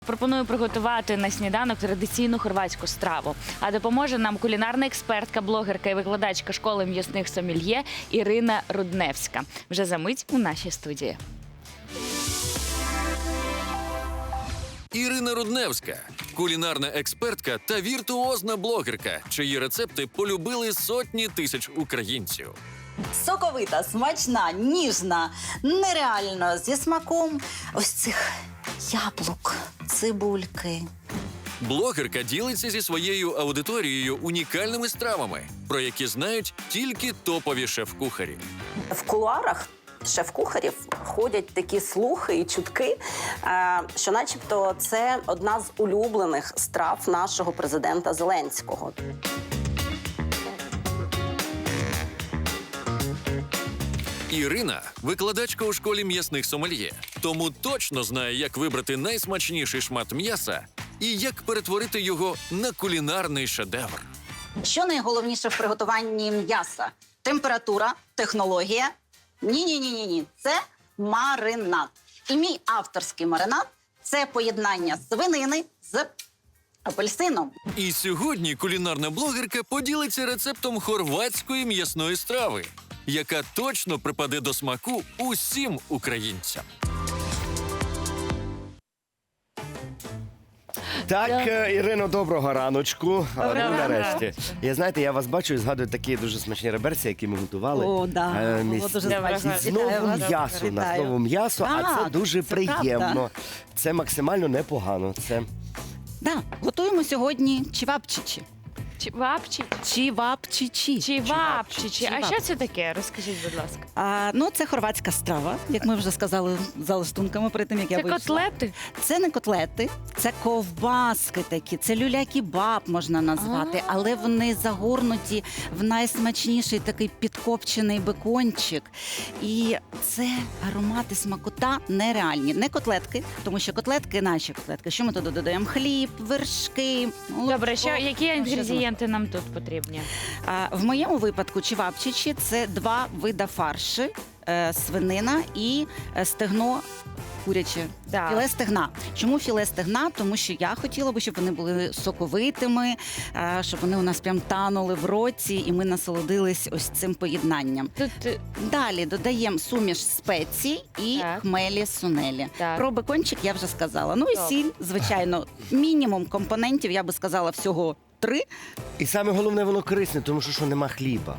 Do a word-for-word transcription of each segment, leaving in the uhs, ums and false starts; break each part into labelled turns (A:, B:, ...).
A: Пропоную приготувати на сніданок традиційну хорватську страву. А допоможе нам кулінарна експертка, блогерка і викладачка школи м'ясних сомельє Ірина Рудневська. Вже за мить у нашій студії.
B: Ірина Рудневська – кулінарна експертка та віртуозна блогерка, чиї рецепти полюбили сотні тисяч українців.
C: Соковита, смачна, ніжна, нереально зі смаком ось цих яблук, цибульки.
B: Блогерка ділиться зі своєю аудиторією унікальними стравами, про які знають тільки топові шеф-кухарі.
C: В кулуарах шеф-кухарів ходять такі слухи і чутки, е, що начебто це одна з улюблених страв нашого президента Зеленського.
B: Ірина – викладачка у школі м'ясних сомельє, тому точно знає, як вибрати найсмачніший шмат м'яса і як перетворити його на кулінарний шедевр.
C: Що найголовніше в приготуванні м'яса? Температура, технологія? Ні-ні-ні-ні. Це маринад. І мій авторський маринад – це поєднання свинини з апельсином.
B: І сьогодні кулінарна блогерка поділиться рецептом хорватської м'ясної страви, яка точно припаде до смаку усім українцям.
D: Так, е, Ірино, доброго раночку.
A: Доброго
D: Ну,
A: ранку.
D: нарешті. Я, знаєте, я вас бачу і згадую такі дуже смачні реберці, які ми готували.
C: О, да.
D: Е,
C: Було
D: міс-
C: дуже
A: смачно.
D: Знову
C: Вітаю вас.
D: м'ясо, у нас
C: Вітаю.
D: знову м'ясо, а це
C: Так,
D: дуже
C: це
D: приємно.
C: правда.
D: Це максимально непогано. Це
E: Да, готуємо сьогодні чівапчичі.
A: Чівапчі.
E: Чівапчичі.
A: Чівапчичі. А
E: Чівап.
A: що це таке? Розкажіть, будь ласка.
E: А, ну, це хорватська страва, як ми вже сказали за листунками перед тим, як я
A: Це
E: вийшла.
A: котлети?
E: Це не котлети, це ковбаски такі, це люля-кебаб можна назвати,
A: А.
E: але вони загорнуті в найсмачніший такий підкопчений бекончик. І це аромати смакота нереальні. Не котлетки, тому що котлетки, наші котлетки, що ми туди додаємо? Хліб, вершки, молоко.
A: Добре, що, які
E: Ну, що
A: інгредієнти нам тут потрібні?
E: А, в моєму випадку чівапчичі – це два вида фарші, е, свинина і е, стегно куряче.
A: Так.
E: Філе стегна. Чому філе стегна? Тому що я хотіла би, щоб вони були соковитими, е, щоб вони у нас прям танули в роті, і ми насолодились ось цим поєднанням.
A: Тут е,
E: Далі додаємо суміш спецій і
A: Так.
E: хмелі сунелі.
A: Так.
E: Про бекончик я вже сказала. Ну і
A: Добре.
E: сіль, звичайно, мінімум компонентів, я би сказала, всього три.
D: і саме головне, воно корисне, тому що, що нема хліба.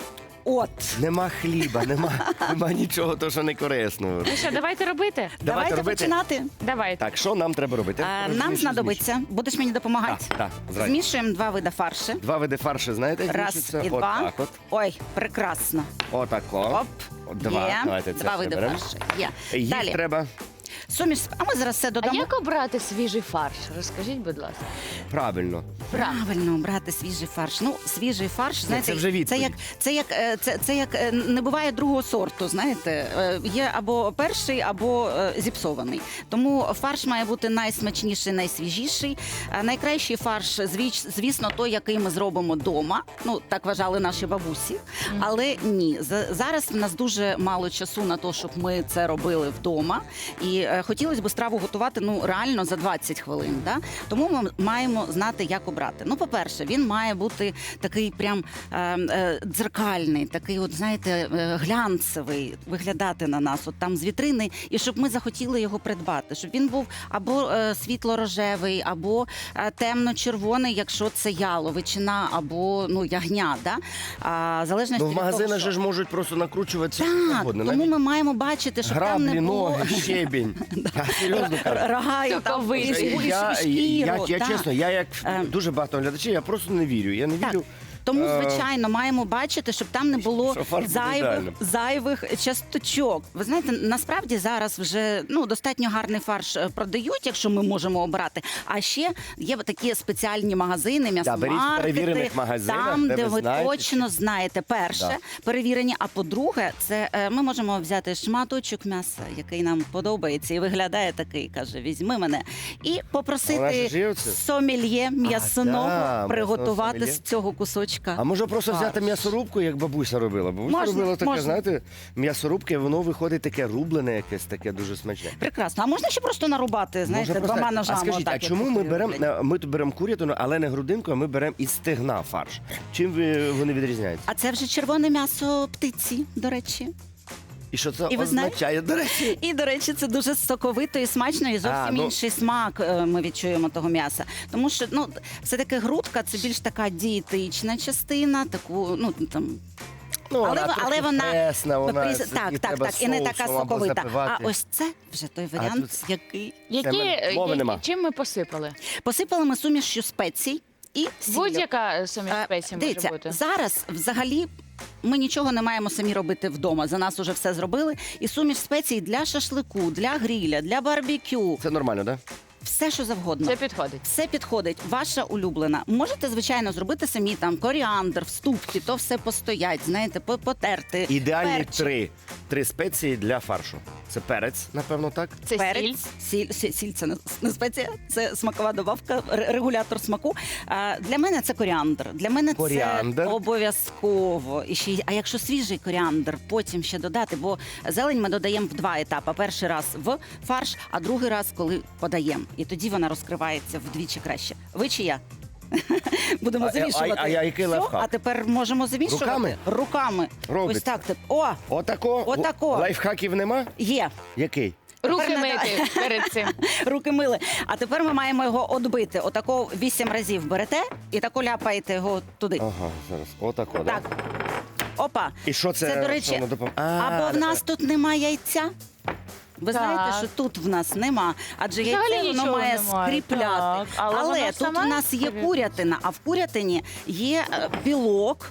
E: От.
D: Нема хліба, нема, нема нічого, то, що не корисно.
A: ну що, давайте робити?
E: Давайте
D: робити.
E: починати.
A: Давайте.
D: Так, що нам треба робити?
E: А,
D: Розумієш,
E: нам
D: що
E: знадобиться, будеш мені допомагати?
D: Так, так, зразу.
E: Змішуємо два види фарші.
D: Два види фарші, знаєте,
E: Раз
D: змішуються?
E: і два.
D: Отак от.
E: Ой, прекрасно.
D: Отако.
E: Оп.
D: От Два.
E: Є.
D: Давайте це
E: Два види
D: приберемо.
E: фарші. Є.
D: Їх
E: Далі.
D: треба
E: Суміш. А ми зараз все
A: А
E: додамо.
A: як обрати свіжий фарш? Розкажіть, будь ласка.
D: правильно.
E: Правильно брати свіжий фарш. Ну, свіжий фарш, знаєте,
D: це вже відповідь.
E: це як це як е, це, це як е, не буває другого сорту. Знаєте, Е, є або перший, або е, зіпсований. Тому фарш має бути найсмачніший, найсвіжіший. А найкращий фарш, звіч- звісно, той, який ми зробимо вдома. Ну так вважали наші бабусі. Але ні, За- зараз в нас дуже мало часу на те, щоб ми це робили вдома. І е, хотілося б страву готувати ну реально за двадцять хвилин. Да? Тому ми маємо знати, як обрати. Ну, по-перше, він має бути такий прям е, е, дзеркальний, такий, от знаєте, е, глянцевий, виглядати на нас, от там з вітрини, і щоб ми захотіли його придбати, щоб він був або е, світло-рожевий, або е, темно-червоний, якщо це яловичина, або ну ягня. Да? А, в залежності
D: Ну, в
E: від того,
D: магазинах
E: що.
D: же ж можуть просто накручуватися.
E: Так,
D: завгодно.
E: тому
D: Навіть
E: ми маємо бачити, щоб там
D: граблі,
E: не було
D: ноги, щебінь. Я серйозно кажу.
E: рога, і там
A: Соковиті.
E: і- і- і
D: Я,
E: шкіру.
D: я, я
E: так.
D: чесно, я як
E: Ем.
D: дуже багато глядачів, я просто не вірю. Я не
E: Так.
D: вірю.
E: Тому,
D: Е,
E: звичайно, маємо бачити, щоб там не було
D: Що фарш буде
E: зайвих,
D: ідеальним.
E: зайвих часточок. Ви знаєте, насправді зараз вже ну достатньо гарний фарш е, продають, якщо ми можемо обрати. А ще є такі спеціальні магазини,
D: беріть в
E: м'ясомаркети,
D: перевірених магазинах,
E: там,
D: де
E: де
D: ви
E: ви
D: знаєте,
E: точно знаєте, перше
D: Да.
E: перевірені. А по-друге, це е, ми можемо взяти шматочок м'яса, який нам подобається, і виглядає такий, каже: візьми мене, і
D: Вона ж
E: попросити
D: живце.
E: сомельє м'ясоного
D: да,
E: приготувати
D: м'ясного
E: з цього кусочка скибочка.
D: А може просто взяти
E: Фарш.
D: м'ясорубку, як бабуся робила? Бабуся
E: Можна,
D: робила таке,
E: можна.
D: знаєте, м'ясорубки, воно виходить таке рублене якесь, таке дуже смачне.
E: Прекрасно. А можна ще просто нарубати, знаєте,
D: Можна
E: двома
D: просто-
E: ножами.
D: А скажіть,
E: отак,
D: а
E: як
D: чому ми
E: кухарі
D: беремо,
E: роблять?
D: ми тут беремо курятину, але не грудинку, а ми беремо із стегна фарш? Чим ви- вони відрізняються?
E: А це вже червоне м'ясо птиці, до речі.
D: І що це
E: І ви знаєте-
D: означає, до речі?
E: І, до речі, це дуже соковито і смачно, і зовсім
D: А, ну-
E: інший смак е, ми відчуємо того м'яса. Тому що ну, все-таки грудка це більш така дієтична частина, таку, ну там.
D: Ну,
E: Але,
D: вона
E: але
D: трохи
E: вона
D: пресна, вона
E: прис-
D: це-
E: так,
D: і
E: так,
D: треба
E: так, і не така
D: соусом або
E: соковита.
D: запивати.
E: А ось це вже той варіант,
D: тут-
E: який
A: Які,
D: ми- мови
A: які-
D: нема.
A: чим ми посипали?
E: посипали ми сумішю спецій і сіллю.
A: Будь-яка суміш
E: Е,
A: спецій може
E: Дивіться,
A: бути.
E: зараз взагалі ми нічого не маємо самі робити вдома. За нас уже все зробили. І суміш спецій для шашлику, для гриля, для барбекю,
D: Це нормально, так?
E: все, що завгодно.
A: Це підходить.
E: Все підходить, ваша улюблена. Можете, звичайно, зробити самі там коріандр, вступки, то все постоять, знаєте, по- потерти.
D: Ідеальні
E: перчик.
D: три. Три спеції для фаршу. Це перець, напевно, так?
A: Це сіль.
E: Перець, сіль, сіль, сіль це не, не спеція, це смакова добавка, ре- регулятор смаку. А, для мене це коріандр. Для мене
D: Коріандр.
E: це обов'язково. І ще, й- а якщо свіжий коріандр, потім ще додати, бо зелень ми додаємо в два етапи. Перший раз в фарш, а другий раз, коли подаємо. І тоді вона розкривається вдвічі краще. Ви чи я? Будемо
D: А- а-
E: замішувати.
D: а я який
E: Всьо,
D: лайфхак?
E: а тепер можемо замішувати.
D: Руками?
E: Руками.
D: Робиться.
E: Ось так. тип- О,
D: Отако.
E: Отако.
D: Лайфхаків нема?
E: є.
D: Який?
A: Руки
E: Тепер
A: мити перед цим.
E: Руки мили. А тепер ми маємо його отбити. Отако вісім разів берете і тако ляпаєте його туди.
D: Ага, зараз. Отако,
E: Так. Опа.
D: І що це?
E: Це, до речі,
D: що воно допом- А,
E: або в нас тут нема яйця. Ви
A: Так.
E: знаєте, що тут в нас нема, адже
A: Взагалі
E: яйце воно
A: нічого
E: має
A: немає,
E: скріпляти.
A: так. Але
E: Але,
A: воно
E: тут
A: саме
E: в нас є
A: скріплює.
E: курятина, а в курятині є е, білок.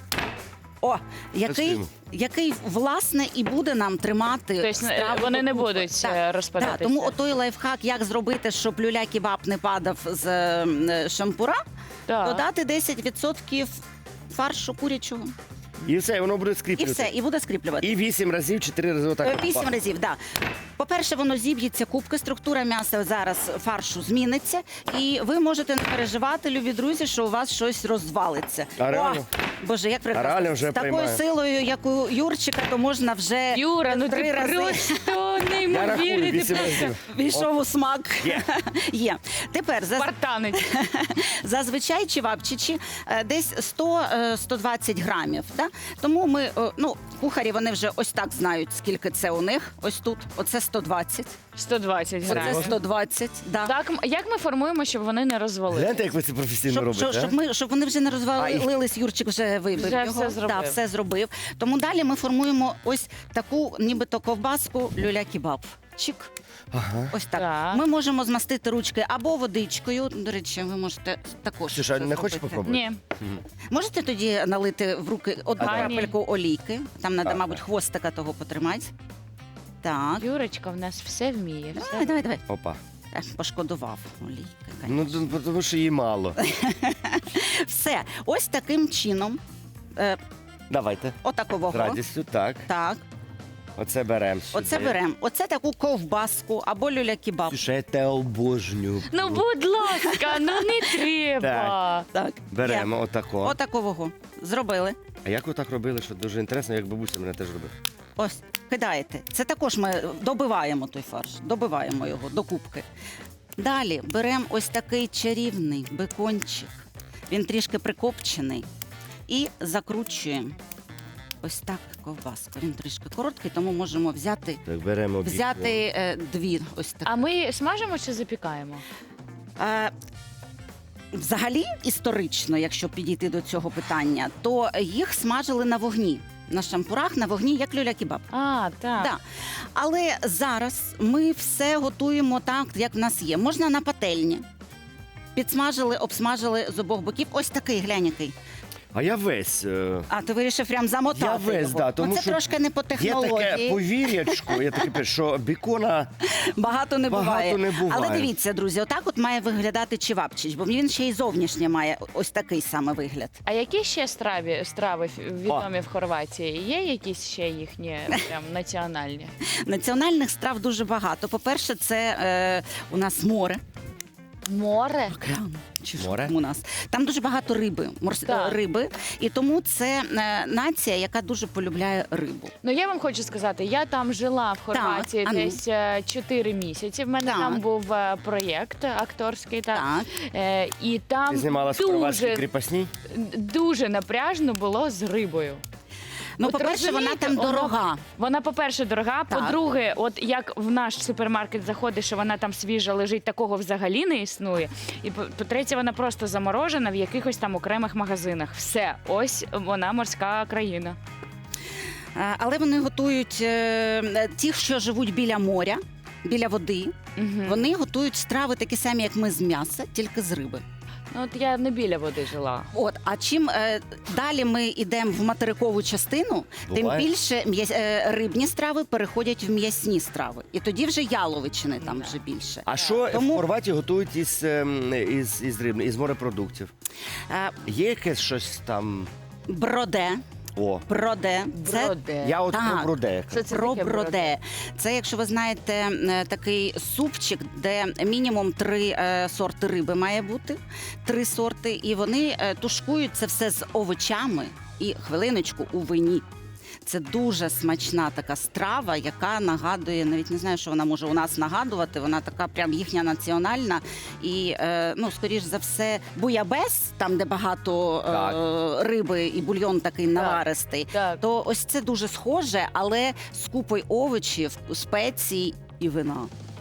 E: О, який,
D: Красиво.
E: який власне і буде нам тримати.
A: Тобто,
E: страву
A: вони не
E: докупи.
A: будуть,
E: Так,
A: е, розпадатися.
E: Так, тому отой лайфхак, як зробити, щоб люля-кебаб не падав з е, шампура,
A: Так.
E: додати десять відсотків фаршу курячого.
D: І все, і воно буде
E: І
D: скріплювати.
E: все, і буде скріплювати.
D: І вісім разів, чотири рази
E: Е,
D: отак.
E: Вісім разів, так. Да. По-перше, воно зіб'ється кубки, структура м'яса зараз фаршу зміниться, і ви можете не переживати, любі друзі, що у вас щось розвалиться.
D: А реально?
E: О, Боже, як прекрасно.
D: реально вже
E: З такою
D: приймаю.
E: силою, як у Юрчика, то можна вже
A: Юра, ну
E: три
A: ти
E: рази
A: просто
D: Я рахую
A: неймовірний. Ти
D: вісім
A: просто
D: разів.
E: війшов у смак.
D: Є.
E: Є. Тепер за
A: спартанець.
E: Зазвичай чевапчичі е, десь сто - сто двадцять грамів. Да? Тому ми, е, ну, кухарі, вони вже ось так знають, скільки це у них. Ось тут. Оце сто двадцять.
A: сто двадцять
E: Оце
A: грамів.
E: сто двадцять. Да.
A: Так, м- як ми формуємо, щоб вони не розвалили?
D: Гляньте, як ви це професійно
E: Щоб,
D: робите.
E: щоб,
D: а?
E: щоб, ми, щоб вони вже не розвалились, Юрчик вже вибив
A: Вже
E: його.
A: все зробив.
E: Да, все зробив. Тому далі ми формуємо ось таку, нібито ковбаску люля-кебаб. Чик.
D: Ага.
E: Ось так.
A: Так.
E: Ми можемо змастити ручки або водичкою. До речі, ви можете також.
D: Ксюша,
E: це
D: не хочеш
E: зробити.
D: попробувати?
A: Ні.
E: Можете тоді налити в руки одну
A: А, ні.
E: крапельку олійки. Там треба,
D: Так.
E: мабуть, хвостика того потримати. Так.
A: Юрочка в нас все вміє. Все.
E: Давай, давай, давай.
D: Опа.
E: Е, Пошкодував олійки.
D: Ну, д- тому що її мало.
E: Все. Ось таким чином. Е,
D: Давайте. З
E: отакового.
D: радістю, так.
E: Так.
D: Оце беремо.
E: Оце беремо. Оце таку ковбаску або люля-кебаб.
D: Ксюша, я те обожнюю.
A: Ну, будь ласка, ну не треба.
E: Так.
D: Беремо
E: Є.
D: отако.
E: Отакового. Зробили.
D: А як ви так робили, що дуже інтересно, як бабуся мене теж робила.
E: Ось, кидаєте. Це також ми добиваємо той фарш, добиваємо його до кубки. Далі беремо ось такий чарівний бекончик. Він трішки прикопчений. І закручуємо ось так ковбаску. Він трішки короткий, тому можемо взяти,
D: Так, беремо бік.
E: взяти е, дві ось так.
A: А ми смажимо чи запікаємо?
E: Е, Взагалі, історично, якщо підійти до цього питання, то їх смажили на вогні. На шампурах на вогні, як люля-кебаб.
A: А, так.
E: Да. Але зараз ми все готуємо так, як в нас є. Можна на пательні. Підсмажили, обсмажили з обох боків. Ось такий, глянь який.
D: А я весь. е,
E: А ти вирішив прям замотати
D: Я весь,
E: його.
D: да, тому
E: ну, це
D: що
E: трошки не по
D: Є таке
E: технології.
D: повір'ячко, я таке пишу, що бікона
E: Багато не
D: Багато
E: буває.
D: не буває.
E: Але дивіться, друзі, отак от має виглядати чевапчич, бо він ще й зовнішнє має ось такий саме вигляд.
A: А які ще страві, страви ф- відомі в Хорватії? Є якісь ще їхні прям національні?
E: Національних страв дуже багато. По-перше, це е, у нас море.
A: Море.
E: Океан. Чи що
D: Море?
E: там у нас? Там дуже багато риби, морс...
A: Так.
E: риби, і тому це е, нація, яка дуже полюбляє рибу.
A: Ну я вам хочу сказати, я там жила в Хорватії
E: а ну.
A: десь е, чотири місяці. В мене
E: Так.
A: там був е, проєкт акторський, так.
E: Так.
A: Е, і там
D: Ти знімалась в хорватській
A: дуже,
D: кріпосній?
A: дуже напряжно було з рибою.
E: Ну,
A: От
E: по-перше, вона
A: розумієте,
E: там
A: вона-
E: дорога.
A: Вона, по-перше, дорога.
E: Так.
A: По-друге, от як в наш супермаркет заходиш, і вона там свіжа лежить, такого взагалі не існує. І по- по-третє, вона просто заморожена в якихось там окремих магазинах. Все, ось вона морська країна.
E: Е, Але вони готують е, ті, що живуть біля моря, біля води.
A: Угу.
E: Вони готують страви такі самі, як ми з м'яса, тільки з риби.
A: Ну, от я не біля води жила.
E: От, а чим е, далі ми йдемо в материкову частину, тим
D: Буває.
E: більше м'яс- е, рибні страви переходять в м'ясні страви. І тоді вже яловичини там вже більше.
D: А що
E: Тому-
D: в Хорватії готують із, ем, із, із риб, із морепродуктів?
E: Е,
D: Є якесь щось там?
E: броде.
D: О,
E: Броде. Це
A: Броде.
D: я от
E: Так.
D: про броде.
A: Що це
E: про
A: таке
E: броде. Це, якщо ви знаєте, е, такий супчик, де мінімум три е, сорти риби має бути, три сорти, і вони е, тушкують це все з овочами і хвилиночку у вині. Це дуже смачна така страва, яка нагадує, навіть не знаю, що вона може у нас нагадувати. Вона така прям їхня національна. І, е, ну, скоріш за все, буябес, там, де багато е, риби і бульйон такий наваристий,
A: Так.
E: то ось це дуже схоже, але з купою овочів, спецій і вина.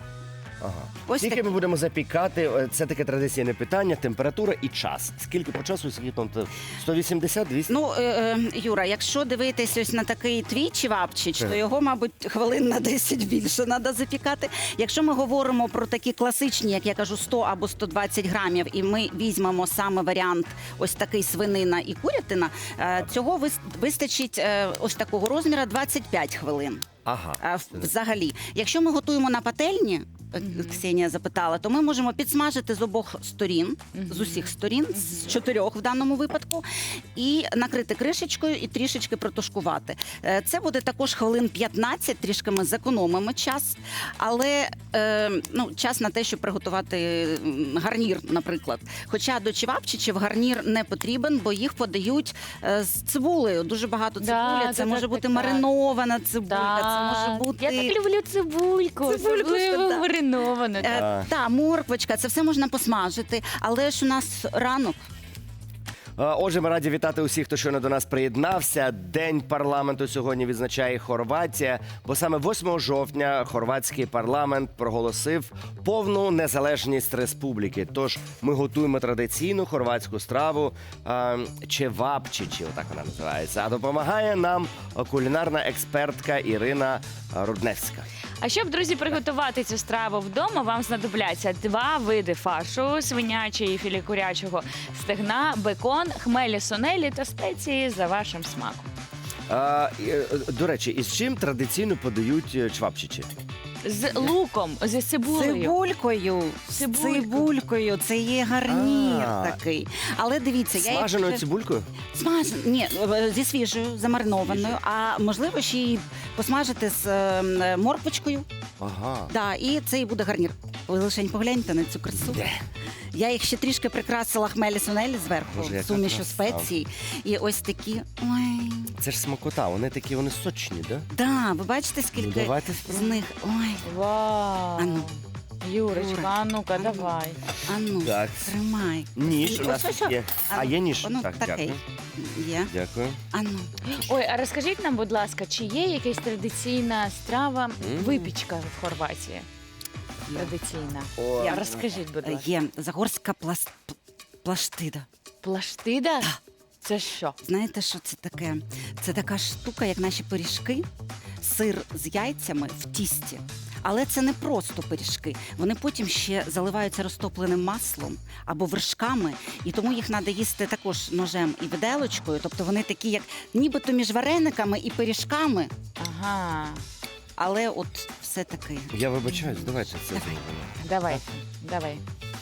D: Ага.
E: Ось
D: Скільки
E: так.
D: ми будемо запікати? Е, Це таке традиційне питання, температура і час. Скільки по часу, скільки там сто вісімдесят двісті?
E: Ну, е, е, Юра, якщо дивитись ось на такий твій чевапчич, то його, мабуть, хвилин на десять більше треба запікати. Якщо ми говоримо про такі класичні, як я кажу, сто або сто двадцять грамів, і ми візьмемо саме варіант ось такий свинина і курятина, е, цього вис- вистачить е, ось такого розміру двадцять п'ять хвилин.
D: Ага.
E: А, в- Взагалі, якщо ми готуємо на пательні, е, Ксенія запитала, то ми можемо підсмажити з обох сторін, з усіх сторін, з чотирьох в даному випадку, і накрити кришечкою і трішечки протушкувати. Е, Це буде також хвилин п'ятнадцять, трішки ми зекономимо час, але е, ну, час на те, щоб приготувати м, гарнір, наприклад. Хоча до чевапчичів гарнір не потрібен, бо їх подають е, з цибулею. Дуже багато цибулі.
A: Да,
E: Це
A: так,
E: може
A: так,
E: бути
A: так, так.
E: маринована цибулька, це може
A: Так.
E: бути.
A: Я так люблю цибульку,
E: Цибульку,
A: особливо
E: так.
A: мариновану.
E: Е,
D: Так.
E: та, морквочка, це все можна посмажити, але ж у нас ранок.
D: А, Отже, ми раді вітати усіх, хто щойно до нас приєднався. День парламенту сьогодні відзначає Хорватія, бо саме восьмого жовтня хорватський парламент проголосив повну незалежність республіки. Тож ми готуємо традиційну хорватську страву а, чевапчичі, отак вона називається. А допомагає нам кулінарна експертка Ірина Рудневська.
A: А щоб, друзі, приготувати цю страву вдома, вам знадобляться два види фаршу: свинячий і філе курячого стегна, бекон, хмелі сунелі та спеції за вашим смаком.
D: А, і, е, до речі, із чим традиційно подають е, чвапчичі?
A: З луком, зі цибулею.
E: Цибулькою. З
A: Цибулькою.
E: Цибулькою. Це є гарнір
D: А.
E: такий. Але дивіться, я
D: Смаженою
E: якщо-
D: цибулькою?
E: Смаж... Ні, е, зі свіжою, замаринованою, а можливо ще й посмажити з е, морквочкою.
D: Ага.
E: Да, і це і буде гарнір. Ви лишень погляньте на цю красу.
D: Де?
E: Я їх ще трішки прикрасила хмелі сунелі зверху,
D: Боже, яка
E: сумішу
D: краса.
E: спецій. І ось такі. Ой.
D: Це ж смакота, вони такі, вони сочні, да?
E: Да, ви бачите,
D: Ну,
E: скільки
D: давайте
E: з
D: спробуємо.
E: них. Ой,
A: Вау!
E: Ану.
A: Юрочка,
E: Юра.
A: а ну-ка,
E: Ану.
A: давай.
E: ану,
D: Так.
E: тримай.
D: Ніж у
E: Ось,
D: нас
E: ось,
D: тут є.
E: ось.
D: А, є ніж?
E: Воно
D: Так,
E: таке.
D: дякую.
E: Є.
D: Дякую.
E: Ану.
A: Ой, а розкажіть нам, будь ласка, чи є якась традиційна страва, випічка в Хорватії? Традиційна.
D: О,
A: Я розкажіть, будь
E: Е,
A: ласка.
E: Є загорська пласт... п- плаштида.
A: Плаштида? Це що?
E: Знаєте, що це таке? Це така штука, як наші пиріжки, сир з яйцями в тісті. Але це не просто пиріжки. Вони потім ще заливаються розтопленим маслом або вершками, і тому їх треба їсти також ножем і виделочкою. Тобто вони такі, як нібито між варениками і пиріжками,
A: Ага.
E: але от все таки.
D: Я вибачаюсь, давайте це зробимо.
A: Давай, давай.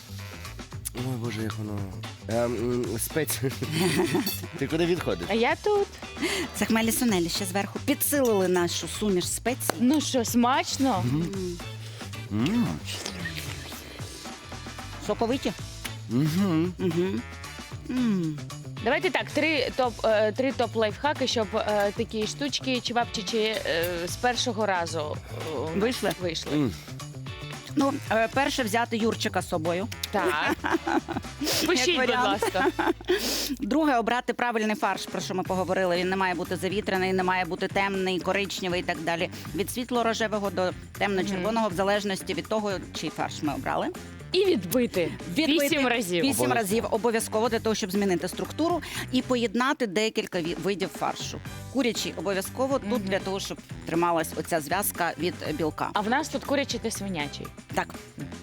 D: Ой, Боже, як воно. Ем, м, спець. Ти куди відходиш?
A: А я тут.
E: Це хмелі сунелі ще зверху підсилили нашу суміш спецій.
A: Ну що, смачно?
D: М.
E: Що Соковиті.
D: Угу.
E: Угу. М.
A: Давайте так, три топ, е, три топ лайфхаки, щоб е, такі штучки чевапчичі е, з першого разу е, у нас
E: Вийшли?
A: вийшли.
E: Ну, е, перше взяти Юрчика з собою.
A: Так. Пишіть, будь
E: варіант.
A: ласка.
E: Друге, обрати правильний фарш, про що ми поговорили. Він не має бути завітрений, не має бути темний, коричневий і так далі. Від світло-рожевого до темно-червоного, в залежності від того, чий фарш ми обрали.
A: І відбити.
E: Відбити
A: Вісім разів.
E: Вісім
D: Обов'язково.
E: разів обов'язково для того, щоб змінити структуру і поєднати декілька ві- видів фаршу. Курячий обов'язково тут для того, щоб трималась оця зв'язка від е, білка.
A: А в нас тут курячий та свинячий.
E: Так,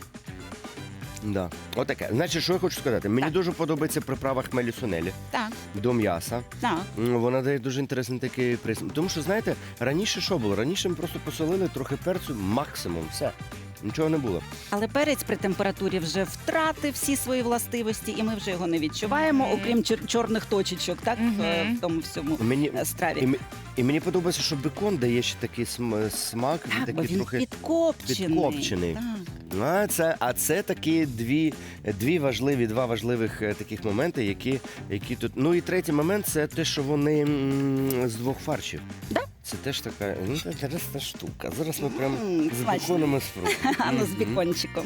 D: Да. Отаке. Значить, що я хочу сказати? Мені
E: Так.
D: дуже подобається приправа хмелі сунелі
E: так,
D: до м'яса.
E: так.
D: М, Вона дає дуже інтересний такий присмак. Тому що, знаєте, раніше що було? Раніше ми просто посолили трохи перцю, максимум, все. Нічого не було.
E: Але перець при температурі вже втратив всі свої властивості, і ми вже його не відчуваємо,
A: Мгм.
E: окрім чор- чорних точечок, так,
A: Мгм.
E: в, в тому всьому
D: Мені,
E: е, страві.
D: і, м- і мені подобається, що бекон дає ще такий см- смак, він
E: Так, бо
D: такий
E: він
D: трохи.
E: підкопчений.
D: підкопчений.
E: Так.
D: А це, а це такі дві, дві важливі, два важливих е, таких моменти, які, які тут. Ну і третій момент це те, що вони м, з двох фаршів.
E: Да?
D: Це теж така ну, інтересна штука. Зараз ми прям
E: М,
D: з
E: смачно.
D: беконом і спробуємо.
E: А ну з
D: Мгм.
E: бікончиком.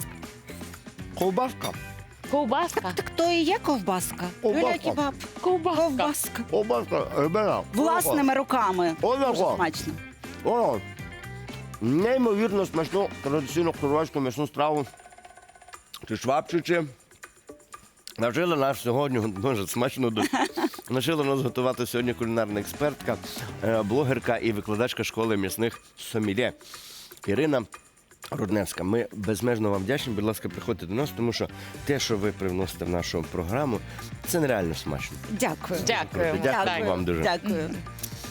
D: Ковбаска.
A: Ковбаска.
E: Так то і є ковбаска.
D: Ковбаска.
E: Юля Кебаб.
A: Ковбаска.
E: Ковбаска.
D: Ковбаска, ребята.
E: Власними руками.
D: Отако.
E: Дуже смачно.
D: О, неймовірно смачну традиційну хорватську м'ясну страву. Чи швабчичі. Навчила нас сьогодні, дуже смачно дуже. Навчила нас готувати сьогодні кулінарна експертка, е, блогерка і викладачка школи м'ясних сомельє Ірина Рудневська. Ми безмежно вам вдячні. Будь ласка, приходьте до нас, тому що те, що ви привносите в нашу програму, це нереально смачно.
E: Дякую.
A: Дякую.
D: Дякую вам дуже.
E: Дякую.